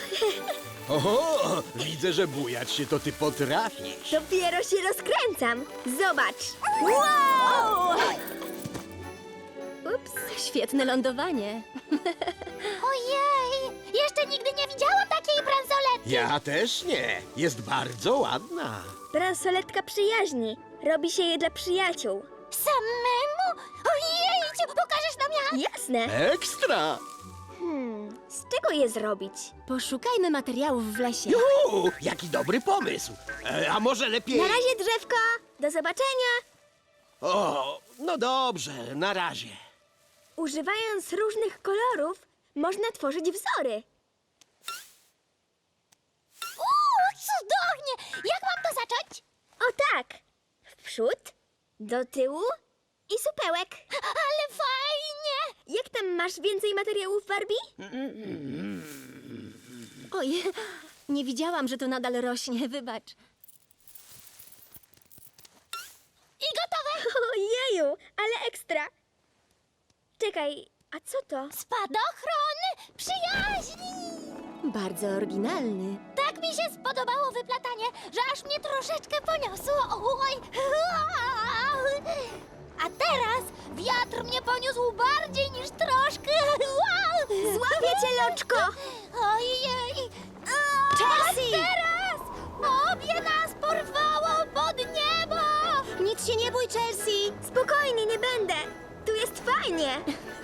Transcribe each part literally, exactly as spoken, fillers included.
Oho, widzę, że bujać się to ty potrafisz. Dopiero się rozkręcam. Zobacz. Wow! Ups. Świetne lądowanie. Ojej! Jeszcze nigdy nie widziałam takiej bransoletki! Ja też nie. Jest bardzo ładna. Bransoletka przyjaźni. Robi się je dla przyjaciół. Samemu? Ojej! Pokażesz nam jak? Jasne. Ekstra! Hmm, z czego je zrobić? Poszukajmy materiałów w lesie. Juhu, jaki dobry pomysł. E, a może lepiej... Na razie, drzewko. Do zobaczenia. O, no dobrze, na razie. Używając różnych kolorów, można tworzyć wzory. Uuu, cudownie! Jak mam to zacząć? O tak. W przód, do tyłu i supełek. Ale fajnie! Jak tam masz więcej materiałów, Barbie? Oj, nie widziałam, że to nadal rośnie, wybacz. I gotowe! Ojeju, ale ekstra. Czekaj, a co to? Spadochron przyjaźni! Bardzo oryginalny. Tak mi się spodobało wyplatanie, że aż mnie troszeczkę poniosło. Oj. A teraz wiatr mnie poniósł bardziej niż troszkę. Złapię cię, Loczko! Ojej! A Chelsea! teraz obie nas porwało pod niebo! Nic się nie bój, Chelsea! Spokojnie, nie będę! Tu jest fajnie!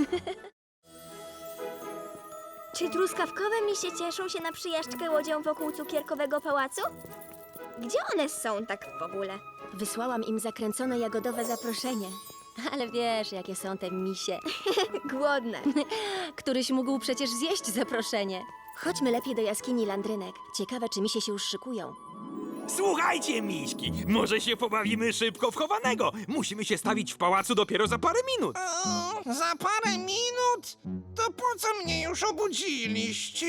Czy truskawkowe misie cieszą się na przyjażdżkę łodzią wokół cukierkowego pałacu? Gdzie one są tak w ogóle? Wysłałam im zakręcone jagodowe zaproszenie. Ale wiesz, jakie są te misie. Głodne. Któryś mógł przecież zjeść zaproszenie. Chodźmy lepiej do jaskini Landrynek. Ciekawe, czy misie się już szykują. Słuchajcie, miśki, może się pobawimy szybko w chowanego. Musimy się stawić w pałacu dopiero za parę minut. O, za parę minut? To po co mnie już obudziliście?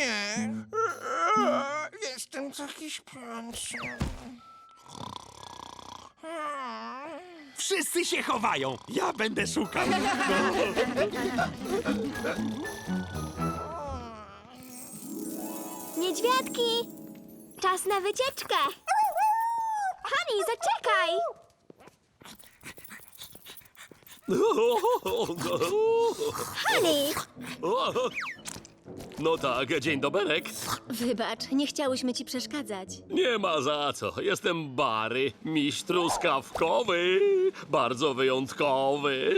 Jestem taki śpiący. Wszyscy się chowają, ja będę szukał. Niedźwiadki! Czas na wycieczkę! Hani, zaczekaj! Hani! No tak, dzień doberek. Wybacz, nie chciałyśmy ci przeszkadzać. Nie ma za co. Jestem Bary, miś truskawkowy. Bardzo wyjątkowy.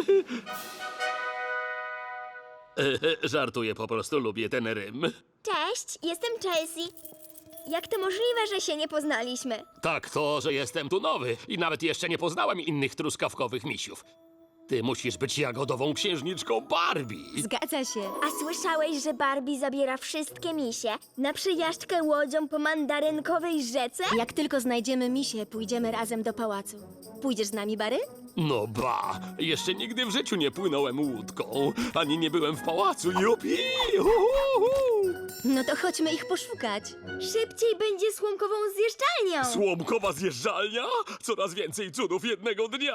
Żartuję, po prostu lubię ten rym. Cześć, jestem Chelsea. Jak to możliwe, że się nie poznaliśmy? Tak to, że jestem tu nowy i nawet jeszcze nie poznałem innych truskawkowych misiów. Ty musisz być jagodową księżniczką Barbie. Zgadza się. A słyszałeś, że Barbie zabiera wszystkie misie na przyjażdżkę łodzią po mandarynkowej rzece? Jak tylko znajdziemy misie, pójdziemy razem do pałacu. Pójdziesz z nami, Bary? No ba, jeszcze nigdy w życiu nie płynąłem łódką, ani nie byłem w pałacu. Jupi! Uhuhu! No to chodźmy ich poszukać. Szybciej będzie słomkową zjeżdżalnią! Słomkowa zjeżdżalnia? Coraz więcej cudów jednego dnia.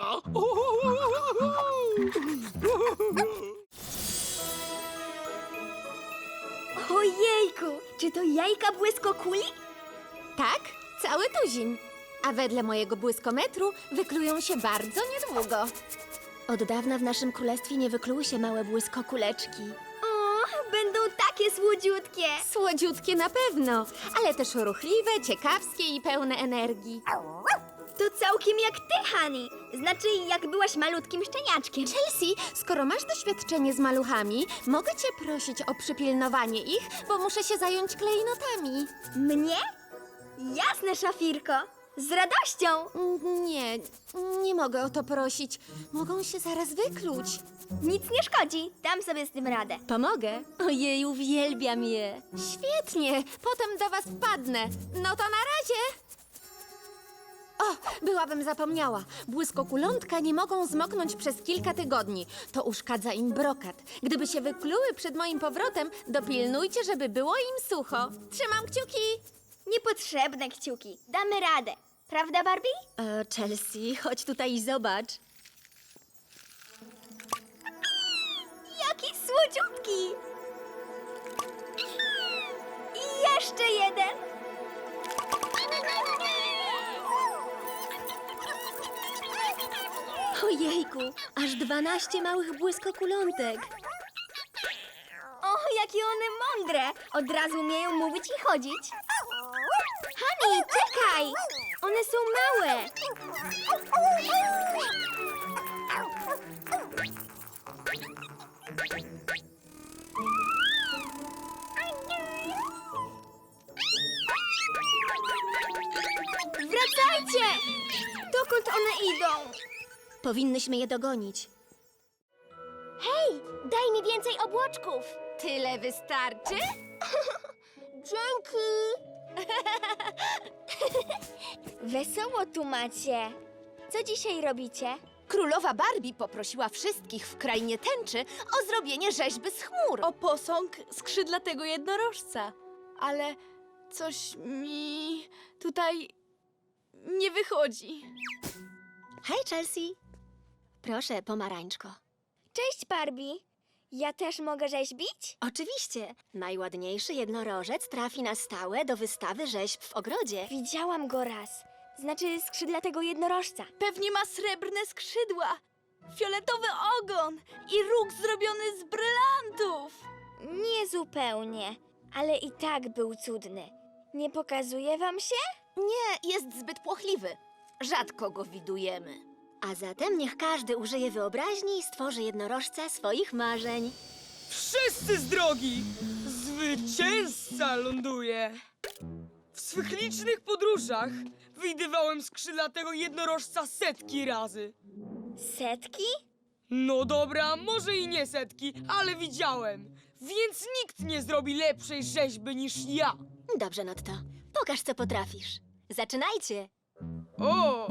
Ojejku, czy to jajka błyskokuli? Tak, cały tuzin. A wedle mojego błyskometru wyklują się bardzo niedługo. Od dawna w naszym królestwie nie wykluły się małe błyskokuleczki. O, będą takie słodziutkie! Słodziutkie na pewno, ale też ruchliwe, ciekawskie i pełne energii. To całkiem jak ty, Hani. Znaczy, jak byłaś malutkim szczeniaczkiem. Chelsea, skoro masz doświadczenie z maluchami, mogę cię prosić o przypilnowanie ich, bo muszę się zająć klejnotami. Mnie? Jasne, Szafirko. Z radością. Mm, Nie, nie mogę o to prosić. Mogą się zaraz wykluć. Nic nie szkodzi. Dam sobie z tym radę. Pomogę? Ojej, uwielbiam je. Świetnie, potem do was wpadnę. No to na razie. O, byłabym zapomniała. Błyskokulątka nie mogą zmoknąć przez kilka tygodni. To uszkadza im brokat. Gdyby się wykluły przed moim powrotem, dopilnujcie, żeby było im sucho. Trzymam kciuki. Niepotrzebne kciuki. Damy radę. Prawda, Barbie? E, Chelsea, chodź tutaj i zobacz. Jaki słodziutki! I Jeszcze jeden! Ojejku, aż dwanaście małych błyskokulątek. O, jakie one mądre! Od razu umieją mówić i chodzić. Hani, czekaj! One są małe. Wracajcie! Dokąd one idą? Powinnyśmy je dogonić. Hej, daj mi więcej obłoczków. Tyle wystarczy? Dzięki! Wesoło tu macie. Co dzisiaj robicie? Królowa Barbie poprosiła wszystkich w krainie tęczy o zrobienie rzeźby z chmur. O posąg skrzydlatego jednorożca. Ale coś mi tutaj nie wychodzi. Hej, Chelsea. Proszę, pomarańczko. Cześć, Barbie. Ja też mogę rzeźbić? Oczywiście. Najładniejszy jednorożec trafi na stałe do wystawy rzeźb w ogrodzie. Widziałam go raz. Znaczy skrzydlatego jednorożca. Pewnie ma srebrne skrzydła, fioletowy ogon i róg zrobiony z brylantów. Nie zupełnie, ale i tak był cudny. Nie pokazuje wam się? Nie, jest zbyt płochliwy. Rzadko go widujemy. A zatem niech każdy użyje wyobraźni i stworzy jednorożca swoich marzeń. Wszyscy z drogi! Zwycięzca ląduje! W swych licznych podróżach widywałem skrzydlatego jednorożca setki razy. Setki? No dobra, może i nie setki, ale widziałem. Więc nikt nie zrobi lepszej rzeźby niż ja. Dobrze, Notto. Pokaż, co potrafisz. Zaczynajcie. O!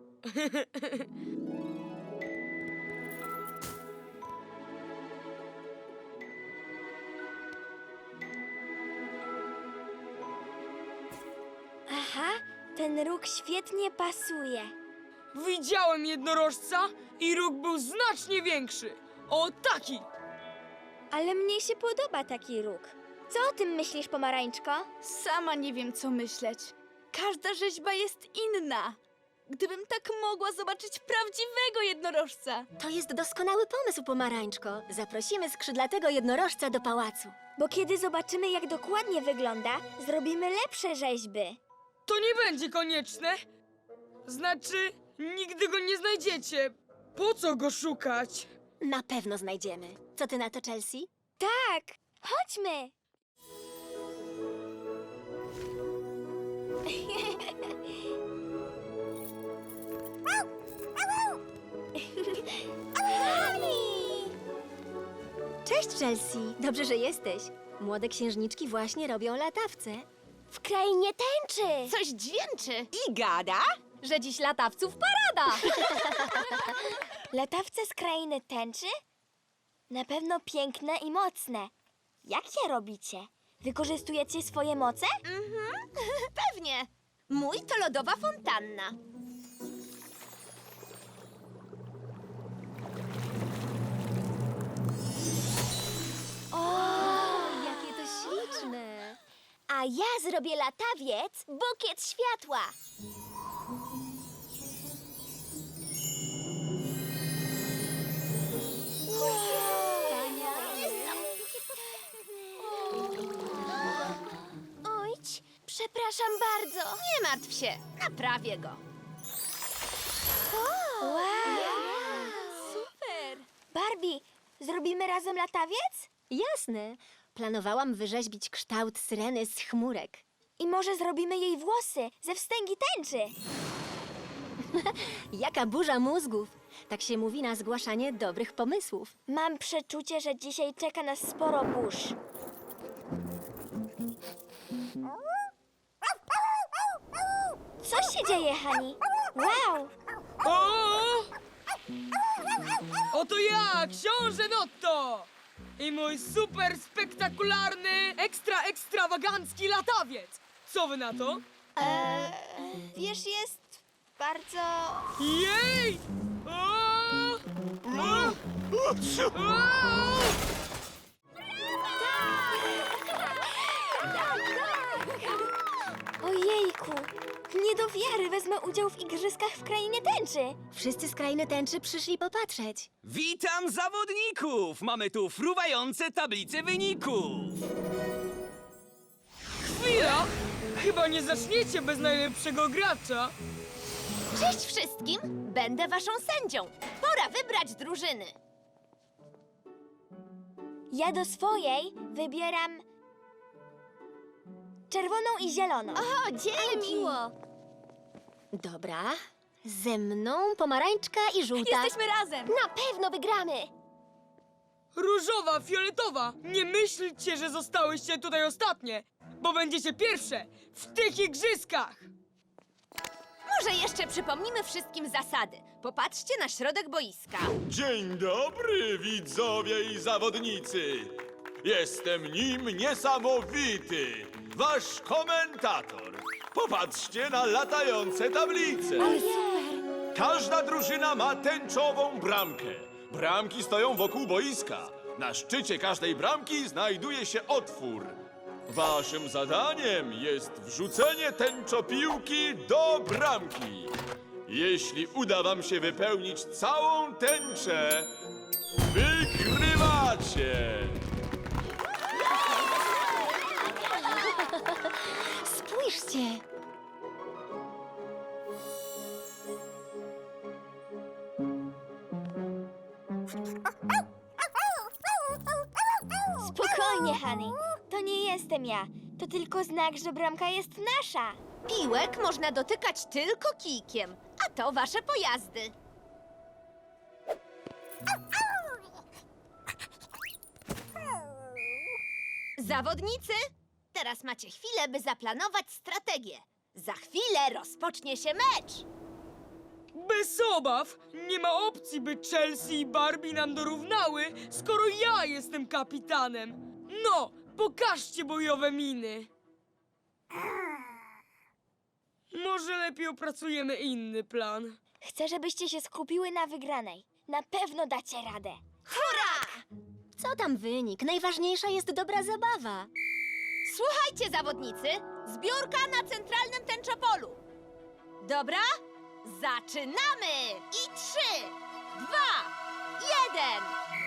Aha, ten róg świetnie pasuje. Widziałem jednorożca i róg był znacznie większy. O, taki! Ale mnie się podoba taki róg. Co o tym myślisz, pomarańczko? Sama nie wiem, co myśleć. Każda rzeźba jest inna. Gdybym tak mogła zobaczyć prawdziwego jednorożca. To jest doskonały pomysł, pomarańczko. Zaprosimy skrzydlatego jednorożca do pałacu. Bo kiedy zobaczymy, jak dokładnie wygląda, zrobimy lepsze rzeźby. To nie będzie konieczne. Znaczy, nigdy go nie znajdziecie. Po co go szukać? Na pewno znajdziemy. Co ty na to, Chelsea? Tak, chodźmy. Cześć, Chelsea. Dobrze, że jesteś. Młode księżniczki właśnie robią latawce. W krainie tęczy. Coś dźwięczy, I gada? że dziś latawców parada. Latawce z krainy tęczy? Na pewno piękne i mocne. Jak je robicie? Wykorzystujecie swoje moce? Pewnie. Mój to lodowa fontanna. Jakie to śliczne. A ja zrobię latawiec, bukiet światła. Ojć, przepraszam bardzo. Nie martw się, naprawię go. Wow. Super. Barbie, zrobimy razem latawiec? Jasne. Planowałam wyrzeźbić kształt syreny z chmurek. I może zrobimy jej włosy ze wstęgi tęczy. Jaka burza mózgów. Tak się mówi na zgłaszanie dobrych pomysłów. Mam przeczucie, że dzisiaj czeka nas sporo burz. Co się dzieje, Hani? Wow! O! Oto ja, książę Notto! I mój super spektakularny, ekstra ekstrawagancki latawiec! Co wy na to? Eee, wiesz, jest bardzo... Jej! O! O! O! wiary wezmę udział w igrzyskach w Krainie Tęczy. Wszyscy z krainy tęczy przyszli popatrzeć. Witam zawodników! Mamy tu fruwające tablice wyników. Chwila! Chyba nie zaczniecie bez najlepszego gracza. Cześć wszystkim! Będę waszą sędzią. Pora wybrać drużyny. Ja do swojej wybieram czerwoną i zieloną. O, dzięki! miło. Dobra, ze mną pomarańczka i żółta. Jesteśmy razem. Na pewno wygramy. Różowa, fioletowa, nie myślcie, że zostałyście tutaj ostatnie, bo będziecie pierwsze w tych igrzyskach. Może jeszcze przypomnimy wszystkim zasady. Popatrzcie na środek boiska. Dzień dobry, widzowie i zawodnicy! Jestem nim niesamowity, wasz komentator. Popatrzcie na latające tablice. Każda drużyna ma tęczową bramkę. Bramki stoją wokół boiska. Na szczycie każdej bramki znajduje się otwór. Waszym zadaniem jest wrzucenie tęczopiłki do bramki. Jeśli uda wam się wypełnić całą tęczę, wygrywacie! Spójrzcie! Spokojnie, Honey. To nie jestem ja. To tylko znak, że bramka jest nasza. Piłek można dotykać tylko kijkiem, a to wasze pojazdy. Zawodnicy, teraz macie chwilę, by zaplanować strategię. Za chwilę rozpocznie się mecz. Bez obaw, nie ma opcji, by Chelsea i Barbie nam dorównały, skoro ja jestem kapitanem. No, pokażcie bojowe miny. Może lepiej opracujemy inny plan. Chcę, żebyście się skupiły na wygranej. Na pewno dacie radę. Co tam wynik? Najważniejsza jest dobra zabawa. Słuchajcie, zawodnicy, zbiórka na centralnym tęczopolu. Dobra? Zaczynamy! I trzy, dwa, jeden.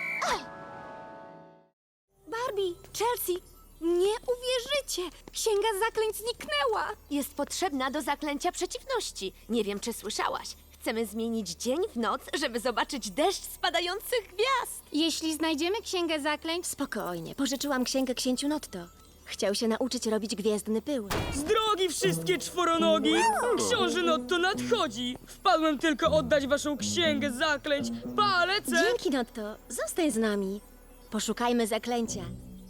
Barbie, Chelsea, nie uwierzycie! Księga zaklęć zniknęła! Jest potrzebna do zaklęcia przeciwności. Nie wiem, czy słyszałaś. Chcemy zmienić dzień w noc, żeby zobaczyć deszcz spadających gwiazd. Jeśli znajdziemy księgę zaklęć, Spokojnie, pożyczyłam księgę księciu Notto. Chciał się nauczyć robić gwiezdny pył. Z drogi wszystkie czworonogi! Książę Notto nadchodzi! Wpadłem tylko oddać waszą księgę zaklęć. Pa, lecę! Dzięki, Notto. Zostań z nami. Poszukajmy zaklęcia.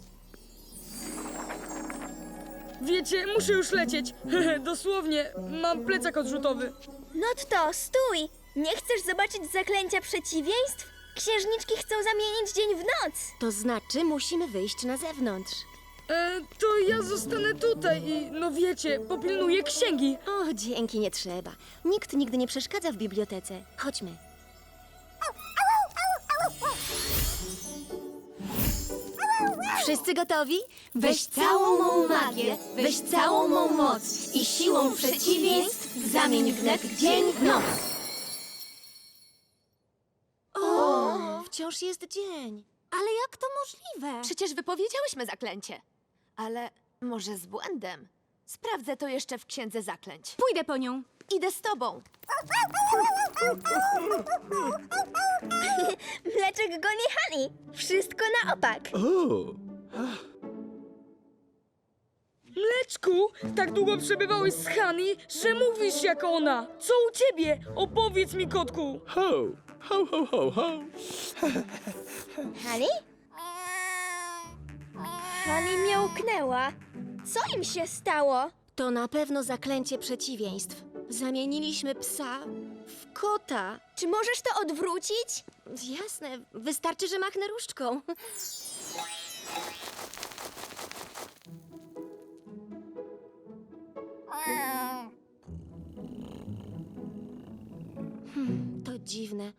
Wiecie, muszę już lecieć. Hehe, dosłownie, mam plecak odrzutowy. Notto, stój! Nie chcesz zobaczyć zaklęcia przeciwieństw? Księżniczki chcą zamienić dzień w noc. To znaczy, musimy wyjść na zewnątrz. E, to ja zostanę tutaj i, no wiecie, popilnuję księgi. O, dzięki, nie trzeba. Nikt nigdy nie przeszkadza w bibliotece. Chodźmy. Wszyscy gotowi? weź całą mą magię, weź całą mą moc i siłą przeciwieństw zamień wnet dzień w noc. O, wciąż jest dzień. Ale jak to możliwe? Przecież wypowiedziałyśmy zaklęcie. Ale może z błędem. Sprawdzę to jeszcze w księdze zaklęć. Pójdę po nią. Idę z tobą. Mleczek goni Honey. Wszystko na opak. Mleczku, tak długo przebywałeś z Honey, że mówisz jak ona. Co u ciebie? Opowiedz mi, kotku. Ho, ho, ho, ho, ho. Honey? Honey miałknęła. Co im się stało? To na pewno zaklęcie przeciwieństw. Zamieniliśmy psa w kota. Czy możesz to odwrócić? Jasne, wystarczy, że machnę różdżką. Hmm, to dziwne.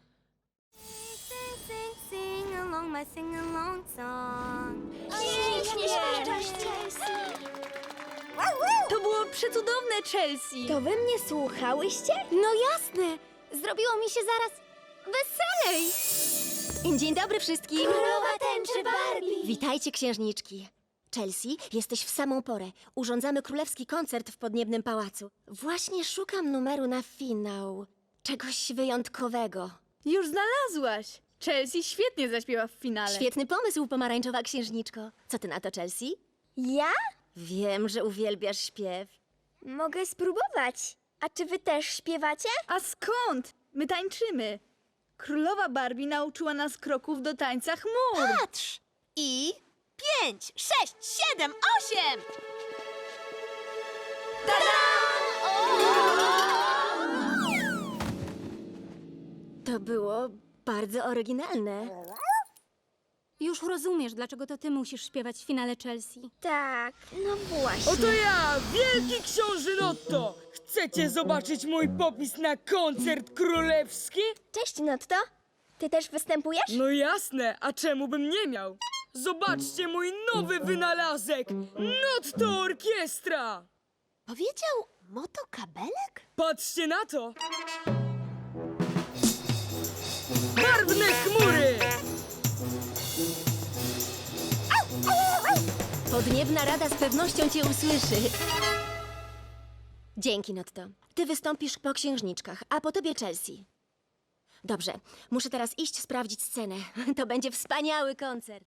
Sing along my sing along song. Pięknie śpiewasz, Chelsea. To było było przecudowne, Chelsea. To wy mnie słuchałyście? No jasne! Zrobiło mi się zaraz weselej. Dzień dobry wszystkim! Królowa tęczy Barbie. Witajcie, księżniczki. Chelsea, jesteś w samą porę. Urządzamy królewski koncert w Podniebnym Pałacu. Właśnie szukam numeru na finał. Czegoś wyjątkowego. Już znalazłaś. Chelsea świetnie zaśpiewa w finale. Świetny pomysł, pomarańczowa księżniczko. Co ty na to, Chelsea? Ja? Wiem, że uwielbiasz śpiew. Mogę spróbować. A czy wy też śpiewacie? A skąd? My tańczymy. Królowa Barbie nauczyła nas kroków do tańca chmur. Patrz! I pięć, sześć, siedem, osiem! To było bardzo oryginalne. Już rozumiesz, dlaczego to ty musisz śpiewać w finale, Chelsea. Tak, no właśnie. Oto ja, wielki książę Notto! Chcecie zobaczyć mój popis na koncert królewski? Cześć, Notto. Ty też występujesz? No jasne, a czemu bym nie miał? Zobaczcie mój nowy wynalazek! Notto Orkiestra! Powiedział motokabelek? Patrzcie na to! Barwne chmury! Podniebna Rada z pewnością cię usłyszy. Dzięki, Notto. Ty wystąpisz po księżniczkach, a po tobie Chelsea. Dobrze, muszę teraz iść sprawdzić scenę. To będzie wspaniały koncert.